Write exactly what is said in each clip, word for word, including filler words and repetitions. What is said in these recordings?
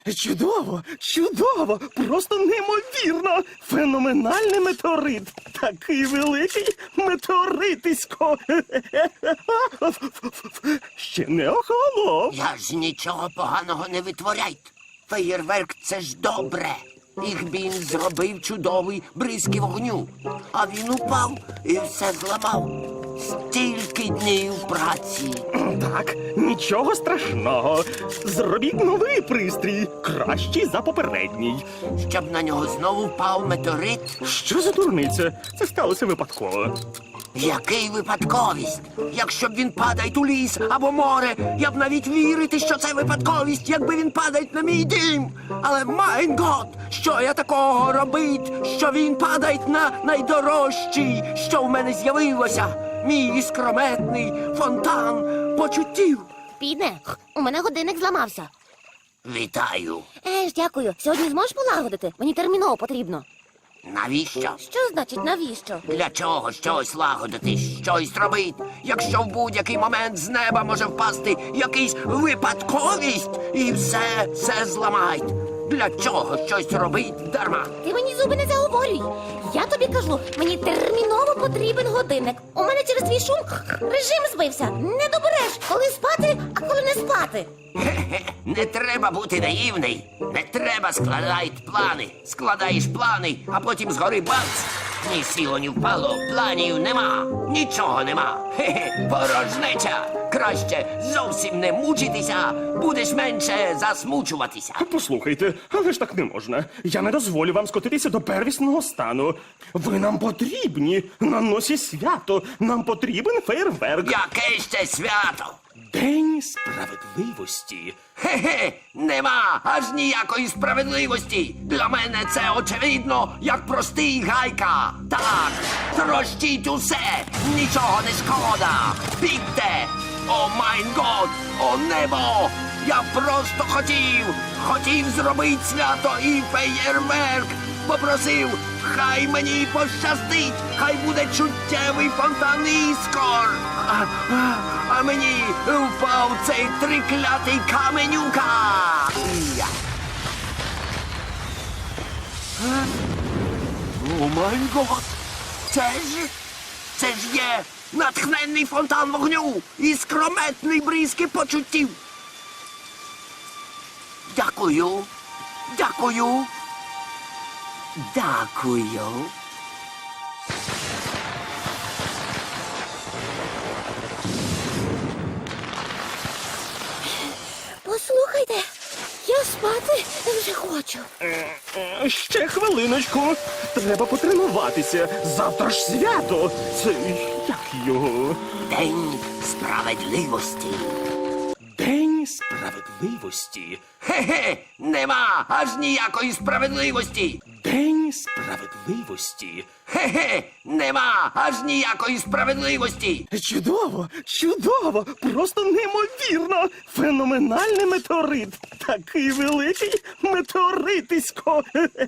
Чудово, чудово, просто неймовірно. Феноменальний метеорит. Такий великий метеоритисько. Ще не охолонув. Я ж нічого поганого не витворяйте. Феєрверк – це ж добре. Їх він зробив чудовий бризки вогню. А він упав і все зламав. Стільки днів праці. Так, нічого страшного. Зробіть новий пристрій, кращий за попередній. Щоб на нього знову впав метеорит. Що за дурниця? Це сталося випадково. Який випадковість? Якщо б він падає у ліс або море, я б навіть вірити, що це випадковість, якби він падає на мій дім. Але, майн гот, що я такого робить, що він падає на найдорожчий, що в мене з'явилося? Мій іскрометний фонтан почуттів. Піде, у мене годинник зламався. Вітаю. Еж, дякую. Сьогодні зможеш полагодити? Мені терміново потрібно. Навіщо? Що значить навіщо? Для чого щось лагодити, щось робити, якщо в будь-який момент з неба може впасти якийсь випадковість і все, все зламають? Для чого щось робить дарма? Ти мені зуби не заговорюй. Я тобі кажу, мені терміново потрібен годинник. У мене через твій шум режим збився. Не добереш, коли спати, а коли не спати. Хе-хе, не треба бути наївний. Не треба складати плани. Складаєш плани, а потім згори бац. Ні сіло, ні впало, планів нема, нічого нема. Хе-хе, порожнеча. Краще зовсім не мучитися, будеш менше засмучуватися. Послухайте, але ж так не можна. Я не дозволю вам скотитися до первісного стану. Ви нам потрібні. На носі свято. Нам потрібен фейерверк. Яке ще свято? День справедливості. Хе-хе, нема аж ніякої справедливості. Для мене це очевидно, як простий гайка. Так, трощіть усе, нічого не шкода. Бігте! О майн год, о небо! Я просто хотів, хотів зробити свято і феєрверк. Попросив, хай мені пощастить, хай буде чуттєвий фонтан іскор. А, а, а мені впав цей триклятий каменюка. Я. Е? О май гот! Це ж, це ж є натхненний фонтан вогню і скрометний бризки почуттів. Дякую, дякую, дякую. Послухайте, я спати вже хочу. Е, Ще хвилиночку. Треба потренуватися. Завтра ж свято. Це як його? День справедливості. День справедливості. Хе-хе, нема аж ніякої справедливості. День справедливості. Хе-хе, нема аж ніякої справедливості. Чудово, чудово, просто неймовірно. Феноменальний метеорит. Такий великий метеоритисько.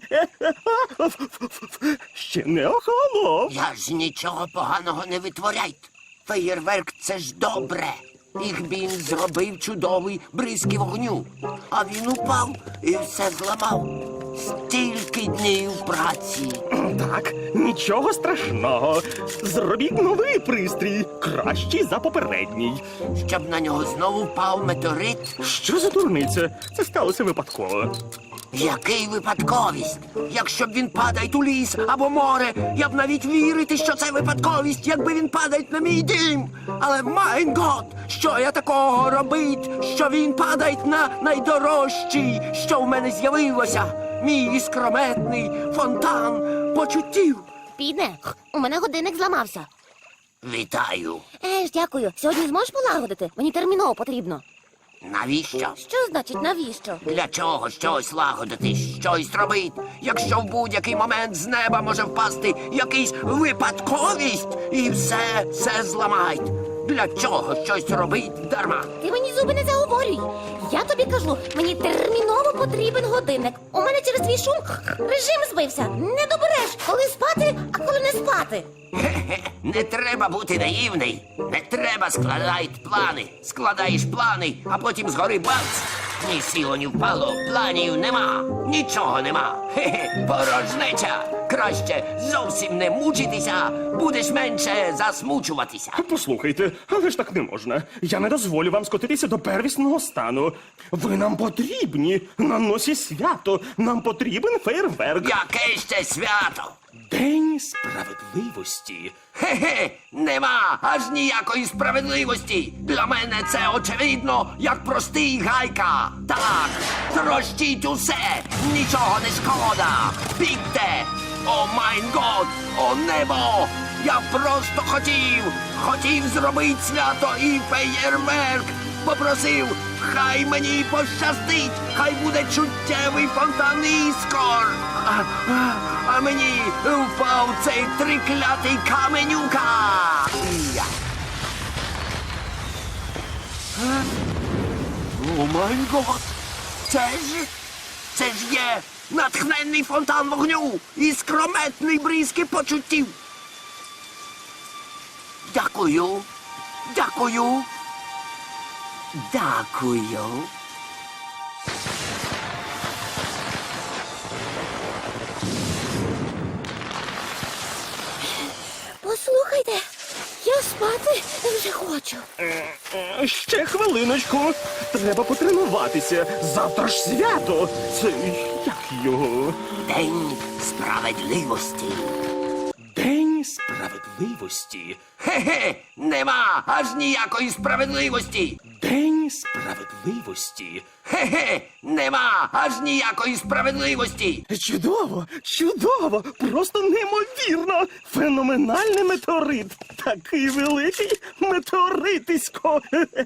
Ще не охолонув. Я ж нічого поганого не витворяйте. Феєрверк – це ж добре. Їх він зробив чудовий бризки вогню. А він упав і все зламав. Стільки днів праці. Так, нічого страшного. Зробіть новий пристрій, кращий за попередній. Щоб на нього знову впав метеорит. Що за дурниця? Це сталося випадково. Який випадковість? Якщо б він падає у ліс або море, я б навіть вірити, що це випадковість, якби він падає на мій дім. Але, майн гот, що я такого робить, що він падає на найдорожчий, що в мене з'явилося? Мій іскрометний фонтан почуттів. Піде, у мене годинник зламався. Вітаю. Еж, дякую. Сьогодні зможеш полагодити? Мені терміново потрібно. Навіщо? Що значить навіщо? Для чого щось лагодити, щось робити, якщо в будь-який момент з неба може впасти якийсь випадковість і все, все зламають? Для чого щось робить дарма? Ти мені зуби не заговорюй. Я тобі кажу, мені терміново потрібен годинник. У мене через твій шум режим збився. Не добереш, коли спати, а коли не спати. Хе-хе, не треба бути наївний. Не треба складати плани. Складаєш плани, а потім згори бац. Ні сіло, ні впало, планів нема, нічого нема. Хе-хе, порожнеча. Краще зовсім не мучитися, будеш менше засмучуватися. Послухайте, але ж так не можна. Я не дозволю вам скотитися до первісного стану. Ви нам потрібні на носі свято. Нам потрібен фейерверк. Яке ще свято? День справедливості. Хе-хе, нема аж ніякої справедливості. Для мене це очевидно, як простий гайка. Так, трощіть усе, нічого не шкода. Бігте! О майн год, о небо! Я просто хотів, хотів зробити свято і феєрверк. Попросив, хай мені пощастить, хай буде чуттєвий фонтан іскор. А, а, а мені впав цей триклятий каменюка. Я. Е? О май гот! Це ж, це ж є натхненний фонтан вогню і скрометний бризки почуттів. Дякую, дякую. Дякую. Послухайте, я спати вже хочу. Е, Ще хвилиночку. Треба потренуватися. Завтра ж свято. Це як його? День справедливості. День справедливості. Хе-хе, нема аж ніякої справедливості. День справедливості. Хе-хе, нема аж ніякої справедливості. Чудово, чудово, просто неймовірно. Феноменальний метеорит. Такий великий метеоритисько.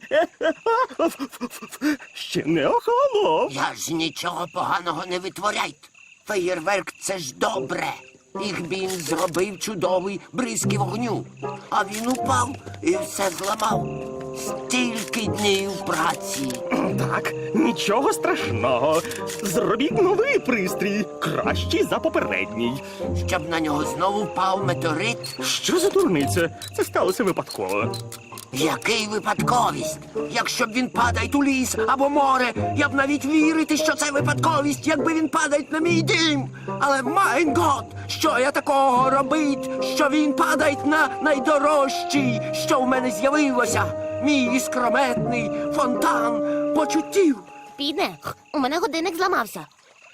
Ще не охолонув. Я ж нічого поганого не витворяйте. Феєрверк — це ж добре. Їх він зробив чудовий бризки вогню. А він упав і все зламав. Стільки днів праці. Так, нічого страшного. Зробіть новий пристрій, кращий за попередній. Щоб на нього знову впав метеорит. Що за дурниця? Це сталося випадково. Який випадковість? Якщо б він падає у ліс або море, я б навіть вірити, що це випадковість, якби він падає на мій дім. Але майн гот, що я такого робить, що він падає на найдорожчий, що в мене з'явилося, мій іскрометний фонтан почуттів. Піде, у мене годинник зламався.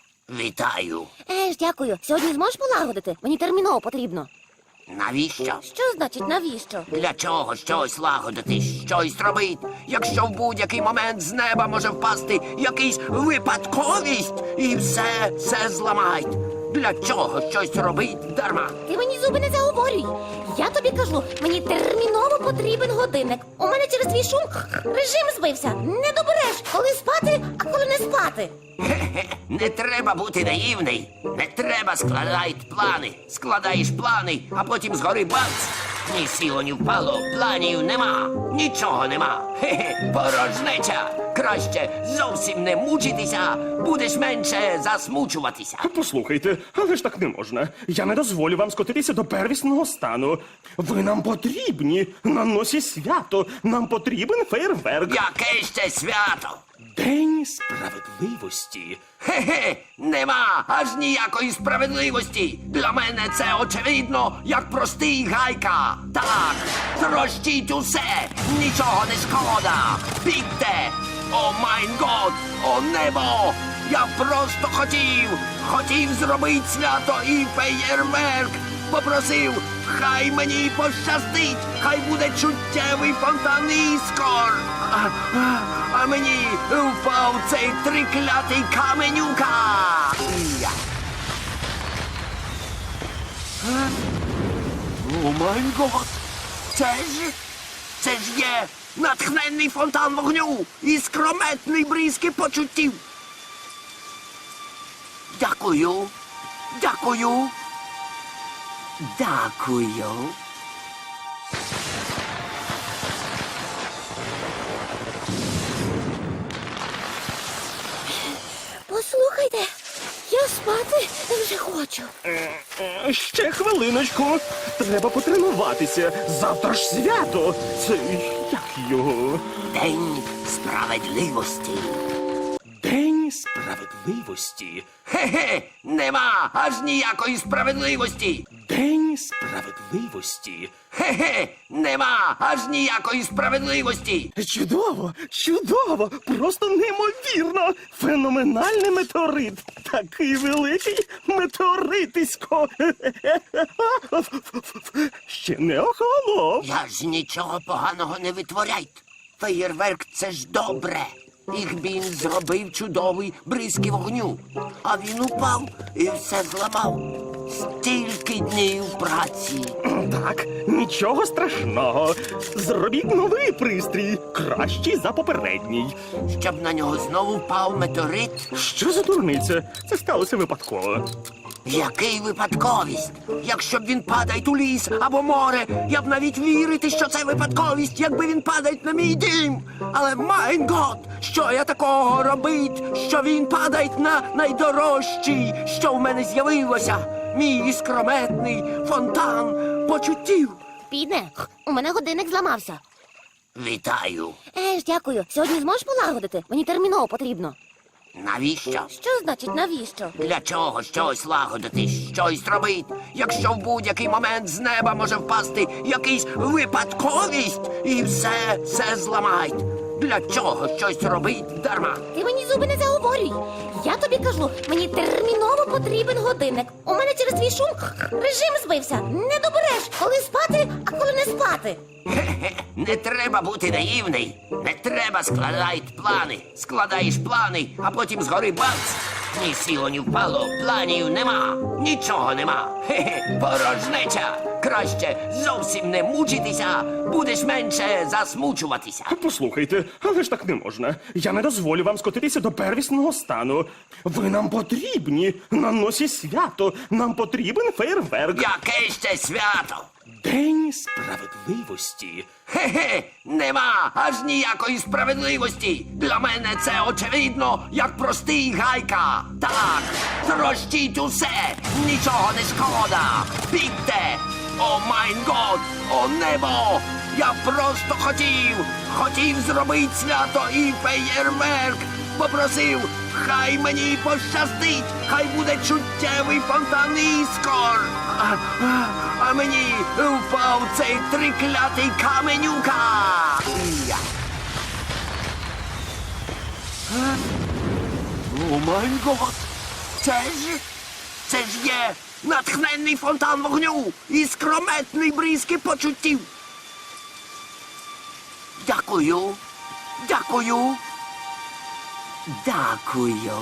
Вітаю. Еж, дякую. Сьогодні зможеш полагодити? Мені терміново потрібно. Навіщо? Що значить навіщо? Для чого щось лагодити, щось робити, якщо в будь-який момент з неба може впасти якийсь випадковість і все, все зламають. Для чого щось робить дарма? Ти мені зуби не заговорюй. Я тобі кажу, мені терміново потрібен годинник. У мене через твій шум режим збився. Не добереш, коли спати, а коли не спати. Хе-хе, не треба бути наївний. Не треба складати плани. Складаєш плани, а потім згори бац. Ні сіло, ні впало, планів нема, нічого нема. Хе-хе, порожнеча. Краще зовсім не мучитися, будеш менше засмучуватися. Послухайте, але ж так не можна. Я не дозволю вам скотитися до первісного стану. Ви нам потрібні на носі свято. Нам потрібен фейерверк. Яке ще свято? День справедливості. Хе-хе, нема аж ніякої справедливості. Для мене це очевидно, як простий гайка. Так, трощіть усе, нічого не шкода. Бігте! О майн год, о небо! Я просто хотів, хотів зробити свято і феєрверк. Попросив, хай мені пощастить, хай буде чуттєвий фонтан іскор. А, а, а мені впав цей триклятий каменюка. Я. Е? О май гот! Це ж, це ж є натхненний фонтан вогню і скрометний бризки почуттів. Дякую, дякую. Дякую. Послухайте, я спати вже хочу. Е, е, Ще хвилиночку. Треба потренуватися. Завтра ж свято. Це як його? День справедливості. Справедливості. Хе-хе, нема аж ніякої справедливості. День справедливості. Хе-хе, нема аж ніякої справедливості. Чудово, чудово, просто неймовірно. Феноменальний метеорит. Такий великий метеоритисько. Ще не охолонув. Я ж нічого поганого не витворяйте. Феєрверк — це ж добре. Їх він зробив чудовий бризки вогню. А він упав і все зламав. Стільки днів праці. Так, нічого страшного. Зробіть новий пристрій, кращий за попередній. Щоб на нього знову впав метеорит. Що за дурниця? Це сталося випадково. Який випадковість? Якщо б він падає у ліс або море, я б навіть вірити, що це випадковість, якби він падає на мій дім. Але, майн гот, що я такого робить, що він падає на найдорожчий, що в мене з'явилося? Мій іскрометний фонтан почуттів. Підне, у мене годинник зламався. Вітаю. Е ж, дякую. Сьогодні зможеш полагодити? Мені терміново потрібно. Навіщо? Що значить навіщо? Для чого щось лагодити, щось робить, якщо в будь-який момент з неба може впасти якийсь випадковість і все, все зламають? Для чого щось робить дарма? Ти мені зуби не заговорюй. Я тобі кажу, мені терміново потрібен годинник. У мене через твій шум режим збився. Не добереш, коли спати, а коли не спати. Хе-хе, не треба бути наївний. Не треба складати плани. Складаєш плани, а потім згори бац. Ні сіло, ні впало, планів нема. Нічого нема. Хе-хе, порожнеча. Краще зовсім не мучитися, будеш менше засмучуватися. Послухайте, але ж так не можна. Я не дозволю вам скотитися до первісного стану. Ви нам потрібні. На носі свято. Нам потрібен фейерверк. Яке ще свято? День справедливості. Хе-хе, нема аж ніякої справедливості. Для мене це очевидно, як простий гайка. Так, трощіть усе, нічого не шкода. Бігте! О майн год, о небо! Я просто хотів, хотів зробити свято і феєрверк. Попросив, хай мені пощастить, хай буде чуттєвий фонтан іскор. А, а, а мені впав цей триклятий каменюка. Я. Е? О май гот! Це ж, це ж є натхненний фонтан вогню і скрометний бризки почуттів. Дякую, дякую, дякую.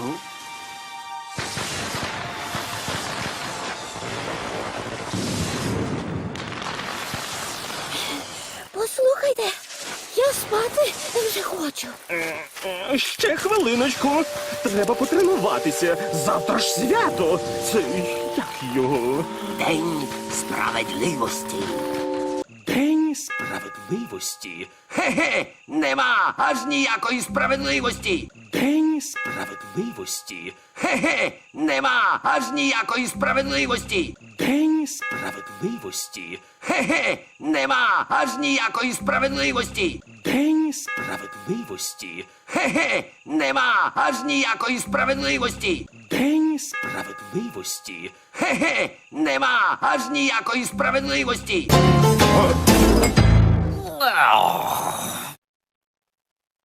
Послухайте, я спати вже хочу. Е, Ще хвилиночку. Треба потренуватися. Завтра ж свято. Це як його? День справедливості. День справедливості. Хе-хе, нема аж ніякої справедливості. День справедливості. Хе-хе, нема аж ніякої справедливості. День справедливості. Хе-хе, нема аж ніякої справедливості. День справедливості. Хе-хе, нема аж ніякої справедливості. День справедливості. Хе-хе, нема аж ніякої справедливості. А,